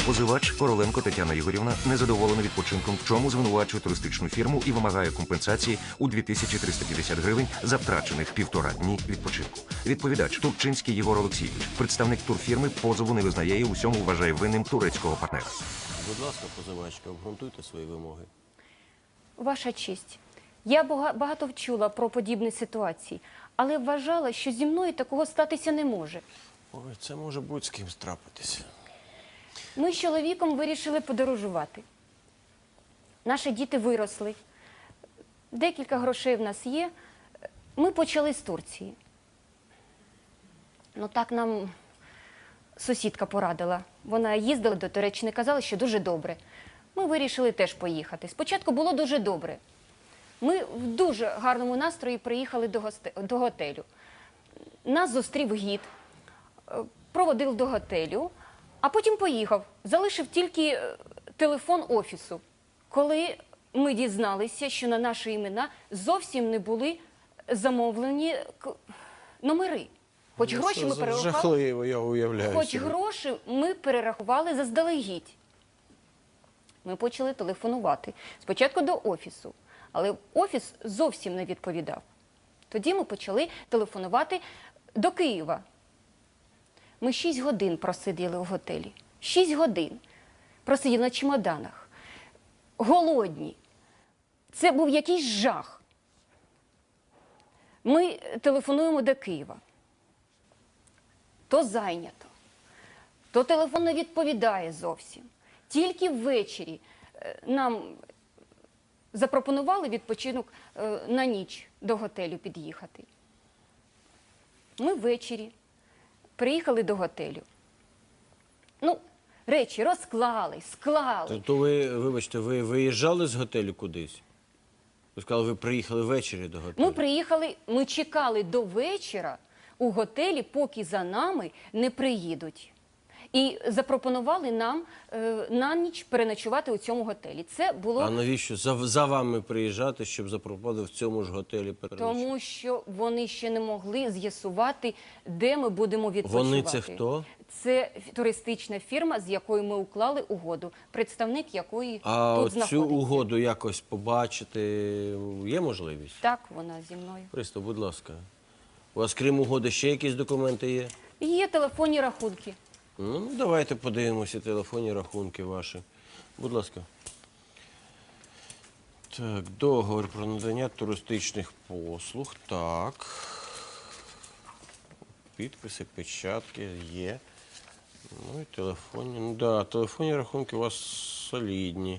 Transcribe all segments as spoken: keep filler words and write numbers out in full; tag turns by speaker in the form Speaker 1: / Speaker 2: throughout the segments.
Speaker 1: Позивач Короленко Тетяна Ігорівна незадоволена відпочинком, в чому звинувачує туристичну фірму і вимагає компенсації у дві тисячі триста п'ятдесят гривень за втрачених півтора дні відпочинку. Відповідач Турчинський Єгор Олексійович, представник турфірми, позову не визнає і усьому вважає винним турецького партнера.
Speaker 2: Будь ласка, позивачка, обґрунтуйте свої вимоги.
Speaker 3: Ваша честь, я багато чула про подібні ситуації, але вважала, що зі мною такого статися не може.
Speaker 2: Ой, це може будь з кимсь трапитися.
Speaker 3: Ми з чоловіком вирішили подорожувати. Наші діти виросли. Декілька грошей в нас є. Ми почали з Турції. Ну так нам сусідка порадила. Вона їздила до Туреччини, казала, що дуже добре. Ми вирішили теж поїхати. Спочатку було дуже добре. Ми в дуже гарному настрої приїхали до, госте... до готелю. Нас зустрів гід, проводив до готелю, а потім поїхав. Залишив тільки телефон офісу. Коли ми дізналися, що на наші імена зовсім не були замовлені номери. Хоч гроші ми перерахували,
Speaker 2: Жахливо, я уявляю.
Speaker 3: Хоч гроші ми перерахували заздалегідь. Ми почали телефонувати. Спочатку до офісу, але офіс зовсім не відповідав. Тоді ми почали телефонувати до Києва. Ми шість годин просиділи в готелі. Шість годин. Просиділи на чемоданах. Голодні. Це був якийсь жах. Ми телефонуємо до Києва. То зайнято, то телефон не відповідає зовсім. Тільки ввечері нам запропонували відпочинок на ніч до готелю під'їхати. Ми ввечері приїхали до готелю. Ну, речі розклали, склали.
Speaker 2: Тобто ви, вибачте, ви виїжджали з готелю кудись? Ви сказали, ви приїхали ввечері до готелю?
Speaker 3: Ми приїхали, ми чекали до вечора у готелі, поки за нами не приїдуть. І запропонували нам е, на ніч переночувати у цьому готелі. Це було...
Speaker 2: А навіщо за, за вами приїжджати, щоб запропонували в цьому ж готелі переночувати?
Speaker 3: Тому що вони ще не могли з'ясувати, де ми будемо відпочивати.
Speaker 2: Вони це хто?
Speaker 3: Це туристична фірма, з якою ми уклали угоду, представник якої
Speaker 2: а
Speaker 3: тут
Speaker 2: цю
Speaker 3: знаходиться.
Speaker 2: угоду якось побачити є можливість?
Speaker 3: Так, вона зі мною.
Speaker 2: Пристав, будь ласка. У вас, крім угоди, ще якісь документи є?
Speaker 3: Є телефонні рахунки.
Speaker 2: Ну, давайте подивимося телефонні рахунки ваші. Будь ласка. Так, договір про надання туристичних послуг. Так. Підписи, печатки є. Ну і телефонні. Ну, да, телефонні рахунки у вас солідні.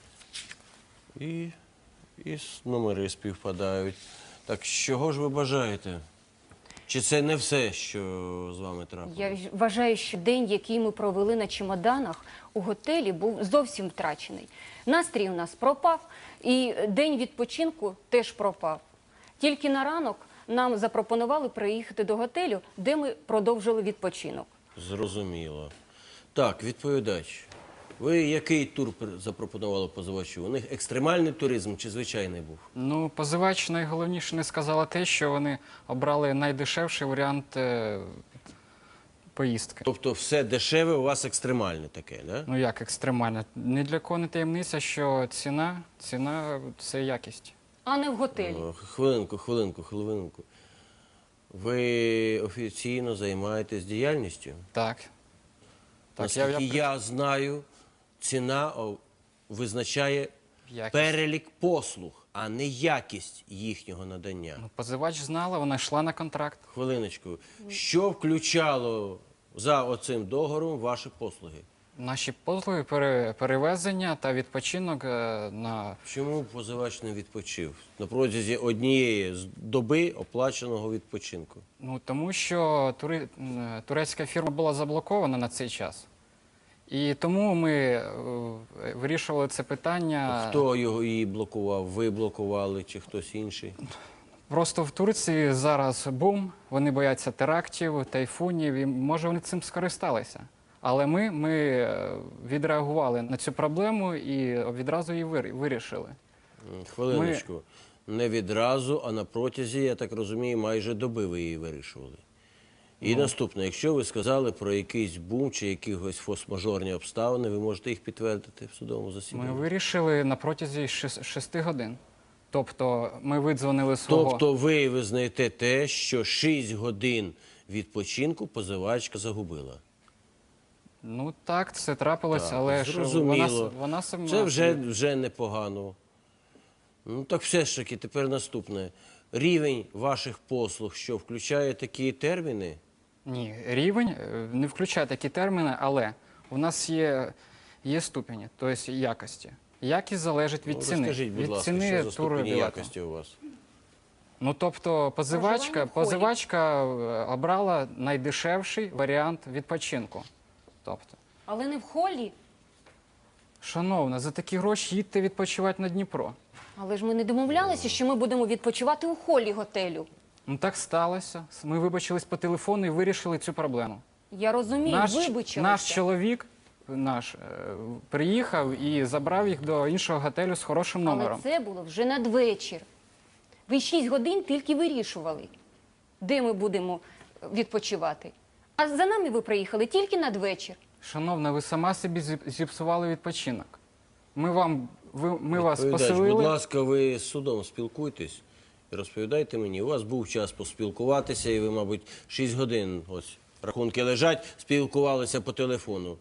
Speaker 2: І, і номери співпадають. Так, чого ж ви бажаєте? Чи це не все, що з вами трапилось?
Speaker 3: Я вважаю, що день, який ми провели на чемоданах у готелі, був зовсім втрачений. Настрій у нас пропав, і день відпочинку теж пропав. Тільки на ранок нам запропонували приїхати до готелю, де ми продовжили відпочинок.
Speaker 2: Зрозуміло. Так, відповідач. Ви який тур запропонували позивачу? У них екстремальний туризм чи звичайний був?
Speaker 4: Ну, позивач найголовніше не сказала те, що вони обрали найдешевший варіант е, поїздки.
Speaker 2: Тобто все дешеве у вас екстремальне таке, да?
Speaker 4: Ну як екстремально? Ні для кого не таємниця, що ціна, ціна – це якість.
Speaker 3: А не в готелі.
Speaker 2: О, хвилинку, хвилинку, хвилинку. Ви офіційно займаєтесь діяльністю?
Speaker 4: Так. Так,
Speaker 2: Наскільки я, я знаю, ціна о, визначає
Speaker 4: Якість.
Speaker 2: перелік послуг, а не якість їхнього надання.
Speaker 4: Ну, позивач знала, вона йшла на контракт.
Speaker 2: Хвилиночку. Що включало за оцим договором ваші послуги?
Speaker 4: Наші послуги, пере, перевезення та відпочинок е, на...
Speaker 2: Чому позивач не відпочив на протязі однієї з доби оплаченого відпочинку?
Speaker 4: Ну, тому що тури, е, турецька фірма була заблокована на цей час. І тому ми е, вирішували це питання...
Speaker 2: Хто його її блокував? Ви блокували чи хтось інший?
Speaker 4: Просто в Турції зараз бум, вони бояться терактів, тайфунів, і може вони цим скористалися. Але ми, ми відреагували на цю проблему і відразу її вирішили.
Speaker 2: Хвилиночку. Ми... Не відразу, а на протязі, я так розумію, майже доби ви її вирішували. І наступне, якщо ви сказали про якийсь бум чи якісь форс-мажорні обставини, ви можете їх підтвердити в судовому засіданні?
Speaker 4: Ми вирішили на протязі шес- шести годин. Тобто ми видзвонили свого...
Speaker 2: Тобто ви визнаєте те, що шість годин відпочинку позивачка загубила?
Speaker 4: Ну так, це трапилось,
Speaker 2: Так,
Speaker 4: але ж
Speaker 2: зрозуміло.
Speaker 4: вона, с- вона сама...
Speaker 2: Це вже, вже непогано. Ну так все ж таки, тепер наступне. Рівень ваших послуг, що включає такі терміни?
Speaker 4: Ні, рівень е, не включає такі терміни, але у нас є, є ступені, тобто якості. Якість залежить від
Speaker 2: Ну,
Speaker 4: ціни.
Speaker 2: розкажіть, будь
Speaker 4: від
Speaker 2: ласка,
Speaker 4: ціни
Speaker 2: що за ступені
Speaker 4: турбілету.
Speaker 2: якості у вас?
Speaker 4: Ну, тобто позивачка,
Speaker 3: Проживання в холі.
Speaker 4: позивачка е, обрала найдешевший варіант відпочинку. Тобто,
Speaker 3: Але не в холі.
Speaker 4: шановна, за такі гроші їдьте відпочивати на Дніпро.
Speaker 3: Але ж ми не домовлялися, що ми будемо відпочивати у холі готелю.
Speaker 4: Ну так сталося. Ми вибачились по телефону і вирішили цю проблему.
Speaker 3: Я розумію,
Speaker 4: Наш,
Speaker 3: вибачилися.
Speaker 4: наш чоловік наш е, приїхав і забрав їх до іншого готелю з хорошим номером.
Speaker 3: Але це було вже надвечір. Ви шість годин тільки вирішували, де ми будемо відпочивати. А за нами ви приїхали тільки надвечір.
Speaker 4: Шановна, ви сама собі зіп- зіпсували відпочинок. Ми вам ви, ми вас
Speaker 2: Відповідач,
Speaker 4: поселили.
Speaker 2: будь ласка, ви з судом спілкуйтесь і розповідайте мені. У вас був час поспілкуватися, і ви, мабуть, шість годин, ось рахунки лежать, спілкувалися по телефону.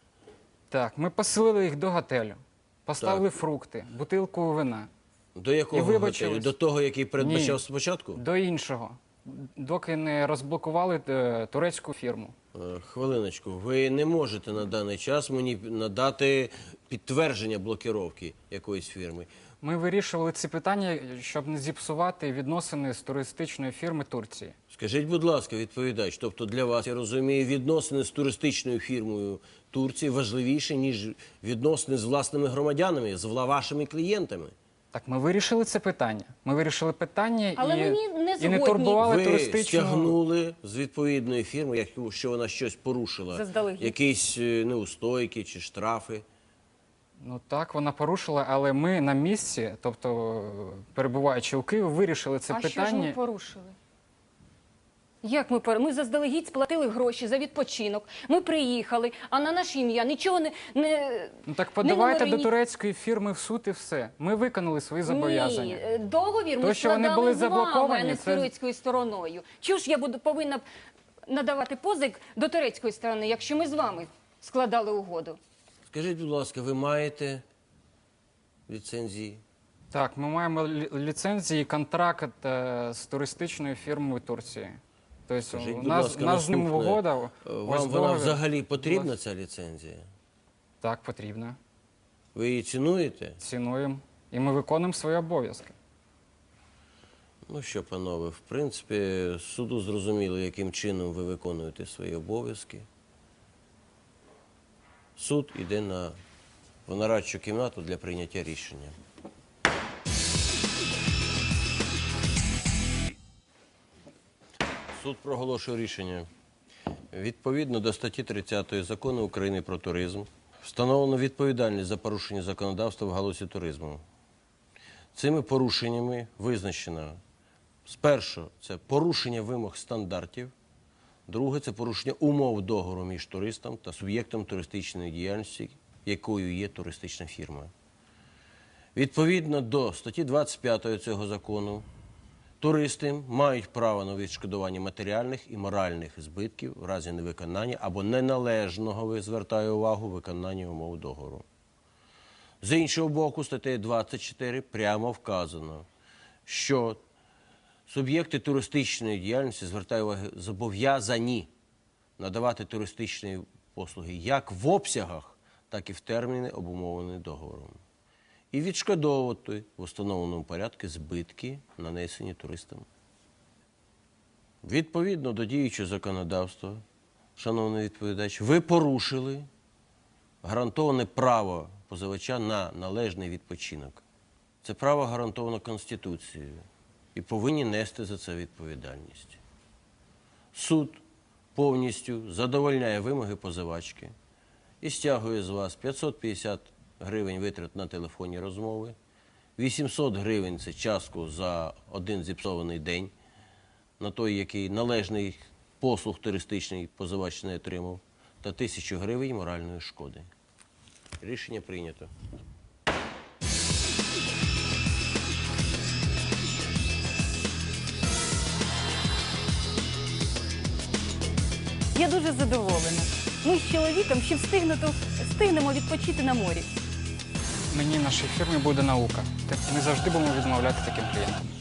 Speaker 4: Так, ми поселили їх до готелю, поставили фрукти, бутилку вина.
Speaker 2: До якого
Speaker 4: І вибачились.
Speaker 2: готелю? До того, який передбачав
Speaker 4: Ні.
Speaker 2: спочатку?
Speaker 4: До іншого, доки не розблокували е, турецьку фірму.
Speaker 2: Е, Хвилиночку, ви не можете на даний час мені надати підтвердження блокировки якоїсь фірми.
Speaker 4: Ми вирішували ці питання, щоб не зіпсувати відносини з туристичної фірми Турції.
Speaker 2: Скажіть, будь ласка, відповідач, тобто для вас, я розумію, відносини з туристичною фірмою Турції важливіші, ніж відносини з власними громадянами, з вла- вашими клієнтами?
Speaker 4: Так, ми вирішили це питання. Ми вирішили питання
Speaker 3: Але
Speaker 4: і,
Speaker 3: мені не
Speaker 4: і не
Speaker 3: згодні.
Speaker 4: турбували
Speaker 2: Ви
Speaker 4: туристичну...
Speaker 2: стягнули з відповідної фірми, як- що вона щось порушила,
Speaker 3: Заздалегідь.
Speaker 2: якісь е, неустойки чи штрафи.
Speaker 4: Ну так, вона порушила, але ми на місці, тобто перебуваючи у Києві, вирішили це
Speaker 3: а що ж
Speaker 4: питання.
Speaker 3: ми порушили? Як ми пор- Ми заздалегідь сплатили гроші за відпочинок. Ми приїхали, а на наше ім'я нічого не... не...
Speaker 4: Ну так
Speaker 3: не
Speaker 4: подавайте
Speaker 3: номери,
Speaker 4: до
Speaker 3: ні-
Speaker 4: турецької фірми в суд і все. Ми виконали свої зобов'язання.
Speaker 3: Ні, е, договір
Speaker 4: То,
Speaker 3: ми
Speaker 4: що вони
Speaker 3: складали
Speaker 4: були
Speaker 3: з вами,
Speaker 4: заблоковані,
Speaker 3: а не з
Speaker 4: це-
Speaker 3: турецькою стороною. Чого ж я буду повинна надавати позик до турецької сторони, якщо ми з вами складали угоду?
Speaker 2: Скажіть, будь ласка, ви маєте ліцензії?
Speaker 4: Так, ми маємо лі- ліцензії і контракт е, з туристичною фірмою Турції. Тобто
Speaker 2: Скажіть,
Speaker 4: у
Speaker 2: будь
Speaker 4: нас,
Speaker 2: ласка,
Speaker 4: у нас з ним
Speaker 2: наступне.
Speaker 4: угода.
Speaker 2: Е,
Speaker 4: ось
Speaker 2: Вам вона
Speaker 4: договір.
Speaker 2: взагалі потрібна, ця ліцензія?
Speaker 4: Так, потрібно.
Speaker 2: Ви її цінуєте?
Speaker 4: Цінуємо. І ми виконуємо свої обов'язки.
Speaker 2: Ну що, панове, в принципі, суду зрозуміло, яким чином ви виконуєте свої обов'язки. Суд іде на в нарадчу кімнату для прийняття рішення. Суд проголошує рішення. Відповідно до статті тридцятої Закону України про туризм встановлено відповідальність за порушення законодавства в галузі туризму. Цими порушеннями визначено: спершу це порушення вимог стандартів, друге це порушення умов договору між туристом та суб'єктом туристичної діяльності, якою є туристична фірма. Відповідно до статті двадцять п'ятої цього закону, туристи мають право на відшкодування матеріальних і моральних збитків в разі невиконання або неналежного, ви звертаю увагу, виконання умов договору. З іншого боку, статтею двадцять чотири прямо вказано, що суб'єкти туристичної діяльності, звертаю увагу, зобов'язані надавати туристичні послуги як в обсягах, так і в терміни, обумовлені договором. І відшкодовувати в установленому порядку збитки, нанесені туристам. Відповідно до діючого законодавства, шановний відповідач, ви порушили гарантоване право позивача на належний відпочинок. Це право гарантовано Конституцією і повинні нести за це відповідальність. Суд повністю задовольняє вимоги позивачки і стягує з вас п'ятсот п'ятдесят гривень витрат на телефонні розмови, вісімсот гривень – це частку за один зіпсований день, на той, який належний послуг туристичних позивач не отримав та тисячу гривень моральної шкоди. Рішення прийнято.
Speaker 3: Я дуже задоволена. Ми з чоловіком ще встигнуто- встигнемо відпочити на морі.
Speaker 4: Мені в нашій фірмі буде наука. Так ми завжди будемо відмовляти таким клієнтам.